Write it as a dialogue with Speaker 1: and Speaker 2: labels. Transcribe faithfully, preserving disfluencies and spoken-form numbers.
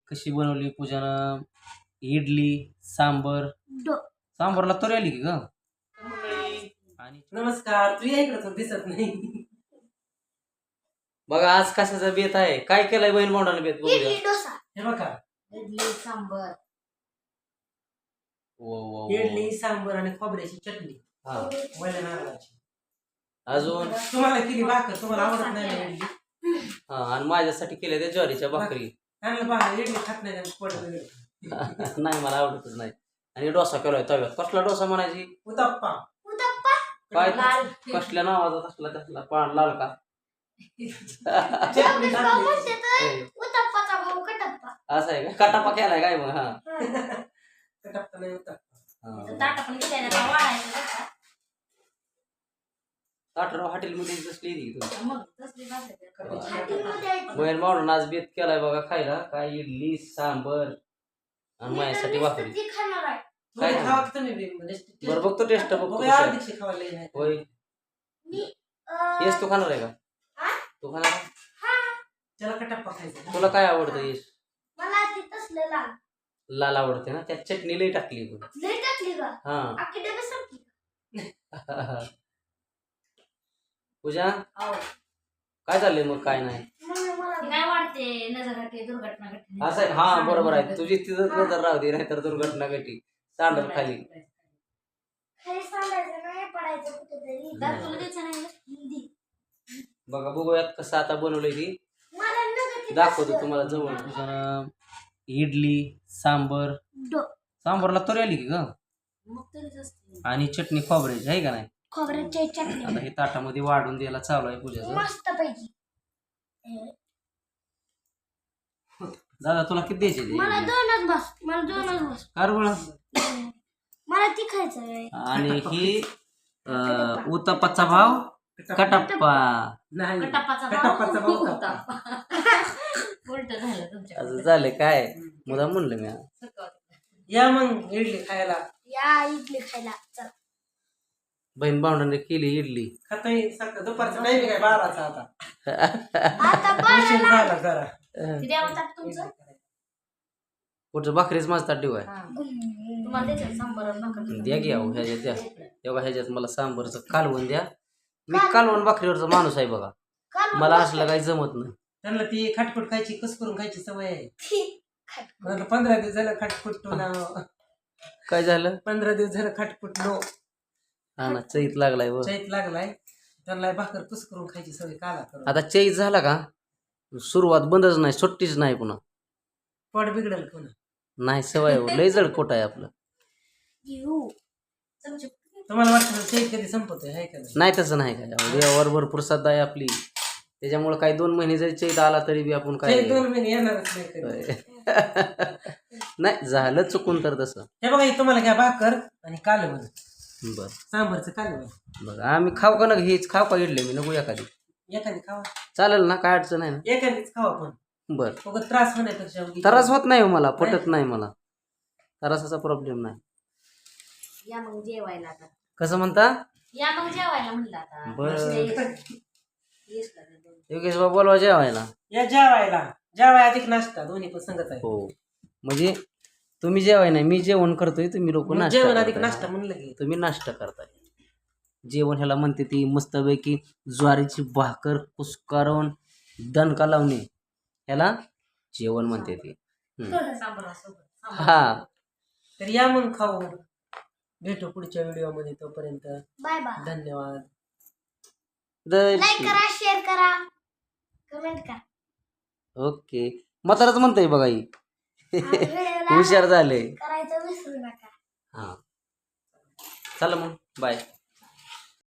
Speaker 1: कशी बनवली पूजानं इडली सांबर. सांबरला तरी आली की ग आणि
Speaker 2: नमस्कार. तू या इकडे दिसत नाही.
Speaker 1: बघा आज कशाचा बेत आहे, काय केलंय बहीण भावंडानं बेत बघूया.
Speaker 3: इडली डोसा.
Speaker 2: हे बघा
Speaker 3: इडली सांबर.
Speaker 1: वो, वो, वो.
Speaker 2: इडली सांबर आणि खोबऱ्याची चटणी
Speaker 1: हा
Speaker 2: वल्या नारळाची.
Speaker 1: अजून
Speaker 2: तुम्हाला केली भाकर, तुम्हाला आवडत नाही ना इडली?
Speaker 1: हा आणि माझ्यासाठी केल्या त्या ज्वारीच्या भाकरी.
Speaker 2: चांगलं बघा, इडली खात नाही त्यामुळे पोटात गेलं.
Speaker 1: नाही मला आवडतच नाही. आणि डोसा केलाय तव्यात. कसला डोसा म्हणायची?
Speaker 2: उत्तप्पा.
Speaker 3: उत्तप्पा.
Speaker 1: काय
Speaker 3: लाल.
Speaker 1: कसल्या नावाचा कसला कसला पान लाल का?
Speaker 2: चटणी टाकली.
Speaker 3: उत्तप्पाचा भाऊ कटप्पा.
Speaker 1: असं आहे का? कटापा केलाय काय मग? हा
Speaker 2: उत्तप्पा नाही उत्तप्पा.
Speaker 1: हा.
Speaker 3: ताटा पण घेतल्यानं वाढायचं बरं का?
Speaker 1: ताटराव हॉटेलमध्ये बसली ती तुम्ही.
Speaker 3: मग तसली भाकर.
Speaker 2: हॉटेलमध्ये
Speaker 1: बहीण भावंडानं आज बेत केलाय बघा खायला. काय इडली सांबर आणि माझ्यासाठी भाकरी.
Speaker 3: ती खाणार आहे.
Speaker 1: काय
Speaker 2: तुम्ही खावा की तुम्ही बी, म्हणजे
Speaker 1: बरं बघतो टेस्ट बघतो
Speaker 2: बघा,
Speaker 1: कशी आहे.
Speaker 2: अर्धीशी खावायला येईल.
Speaker 1: होय
Speaker 3: मी अं,
Speaker 1: येस तू खाणार आहे का?
Speaker 3: हा?
Speaker 1: तू खाणार आहे?
Speaker 3: हा.
Speaker 2: त्याला कटप्पा खायचा.
Speaker 1: तुला काय आवडतं येस?
Speaker 3: मला ती तसलं लाल.
Speaker 1: लाल आवडते ना, त्यात चटणी लई टाकली बघ.
Speaker 3: लई टाकली का?
Speaker 1: हा
Speaker 3: अख्खी डबे संपली.
Speaker 1: पूजा
Speaker 3: अहो.
Speaker 1: काय चाललंय मग? काय नाही
Speaker 3: मम्मी मला काय वाटते नजर घाटे दुर्घटना घटना.
Speaker 1: असं आहे. हा बरोबर आहे. तुझी तिथं नजर राहू दे, नाहीतर दुर्घटना घटी. सांडल खाली.
Speaker 3: खाली सांगायचं नाही, पडायचं कुठेतरी. दात तुला द्यायचं नाही ना? हिंदी.
Speaker 1: बघा बघूयात कसं आता बनवलंय ती.
Speaker 3: मला नजर ती
Speaker 1: दाखवतो
Speaker 3: तसलं.
Speaker 1: तुम्हाला जवळ. पूजानं इडली सांबर.
Speaker 3: डो.
Speaker 1: सांबरला तरी आली की ग
Speaker 3: मग तरीच असते.
Speaker 1: आणि चटणी खोबऱ्याची आहे का नाही.
Speaker 3: खोबऱ्याची चटणी
Speaker 1: आता हे ताटामध्ये वाढून द्यायला चालू आहे पूजाचं.
Speaker 3: मस्त पैकी.
Speaker 1: दादा तुला किती द्यायचे ते?
Speaker 3: मला दोनच बस. मला दोनच बस.
Speaker 1: कार बळ.
Speaker 3: मला ती खायचं आहे.
Speaker 1: आणि ही अं, उत्तप्पाचा भाव कटप्पा.
Speaker 2: नाही
Speaker 3: कटप्पाचा
Speaker 2: कटप्पाचा भाऊ
Speaker 3: होता. उलट झालं तुमच्या.
Speaker 1: असं झालं काय मुदा म्हणलं मी.
Speaker 2: या मग इडली खायला.
Speaker 3: या इडली खायला चल.
Speaker 1: बहीण भावंडाने केली इडली.
Speaker 2: खातोय सकाळ दुपारचा टाइम काय बाराचा आता.
Speaker 3: आता
Speaker 2: उशीर
Speaker 3: बाळाला
Speaker 2: झाला जरा.
Speaker 1: अं,
Speaker 3: ती द्यावं ताट तुमचं.
Speaker 1: कुठं भाकरीच माझा ताट देऊ आहे.
Speaker 3: तुम्हाला द्यायचं सांबर आणि भाकर.
Speaker 1: द्या घ्या हो, ह्याच्यात द्या. तेव्हा ह्याच्यात मला सांबरचं कालवण द्या. मी कालवण भाकरीवरचा माणूस आहे बघा.
Speaker 3: काल
Speaker 1: मला असलं काही जमत नाही.
Speaker 2: त्यांना ती खटपट खायची कस करून खायची सवय आहे.
Speaker 3: ती खाय.
Speaker 2: मला पंधरा दिवस झालं खटपट ना.
Speaker 1: काय झालं?
Speaker 2: पंधरा दिवस झालं खटपट नो.
Speaker 1: हा ना चैत लागलाय व.
Speaker 2: चैत लागलाय. त्यांना भाकर कुस करून खायची सवय काला करून.
Speaker 1: आता चैत झाला का सुरुवात बंदच नाही, सुट्टीच नाही पुन्हा.
Speaker 2: पोट बिघडल पुन्हा.
Speaker 1: नाही सवय हो, लय जड पोट आहे आपलं.
Speaker 3: येऊ. चमचे.
Speaker 2: तुम्हाला वाटतं चैत कधी संपतोय हाय का नाही?
Speaker 1: नाही तसं नाही काय. देवावर भरपूर श्रद्धा आहे आपली. त्याच्यामुळे काही दोन महिने जरी चैत आला तरी बी आपण काय
Speaker 2: चैत दोन महिने येणारच नाही कधी.
Speaker 1: नाही झालं चुकून तर तसं.
Speaker 2: हे बघा हे तुम्हाला घ्या भाकर आणि कालवण.
Speaker 1: बर
Speaker 2: सांबरचं कालवण.
Speaker 1: बघा आम्ही खाऊ का ना, हेच खाऊ का इडले मी नको एखादी.
Speaker 2: एखादी खावा.
Speaker 1: चालेल ना, काय अडचण आहे ना.
Speaker 2: एखादीच खावा पण.
Speaker 1: बर
Speaker 2: बघ त्रास होण्यापेक्षा उगी-
Speaker 1: त्रास होत नाही हो मला, पटत नाही मला. त्रासाचा प्रॉब्लेम नाही.
Speaker 3: या मग जेवायला आता.
Speaker 1: कसं म्हणता?
Speaker 3: या मग जेवायला म्हणलं आता.
Speaker 1: बर
Speaker 3: येस का ते दोन.
Speaker 1: योगेश बाबा बोलवा जेवायला.
Speaker 2: या जेवायला. जेवाय अधिक नाश्ता दोन्ही पण संगत आहे.
Speaker 1: हो म्हणजे तुम्ही जेवाय नाही, मी जेवण करतोय, तुम्ही लोक
Speaker 2: मग
Speaker 1: नाश्ता
Speaker 2: जेवण अधिक
Speaker 1: करताय.
Speaker 2: नाश्ता म्हणलं की
Speaker 1: तुम्ही नाश्ता करताय. जेवण ह्याला म्हणते ती मस्तपैकी ज्वारीची भाकर कुस्कारून दणका लावणे, ह्याला जेवण म्हणते ती. हम्म.
Speaker 3: सांबरासोबत.
Speaker 1: हा
Speaker 2: तर या मग खाऊ. भेटू पुढच्या व्हिडिओ मध्ये. तोपर्यंत
Speaker 3: बाय बाय.
Speaker 2: धन्यवाद.
Speaker 1: द-
Speaker 3: लाईक करा, शेअर करा, कमेंट करा.
Speaker 1: ओके म्हाताराच म्हणतोय बघा ही.
Speaker 3: आणि व्हिडिओला
Speaker 1: हुशार झाले.
Speaker 3: करायचं विसरू नका.
Speaker 1: हा चला मग बाय.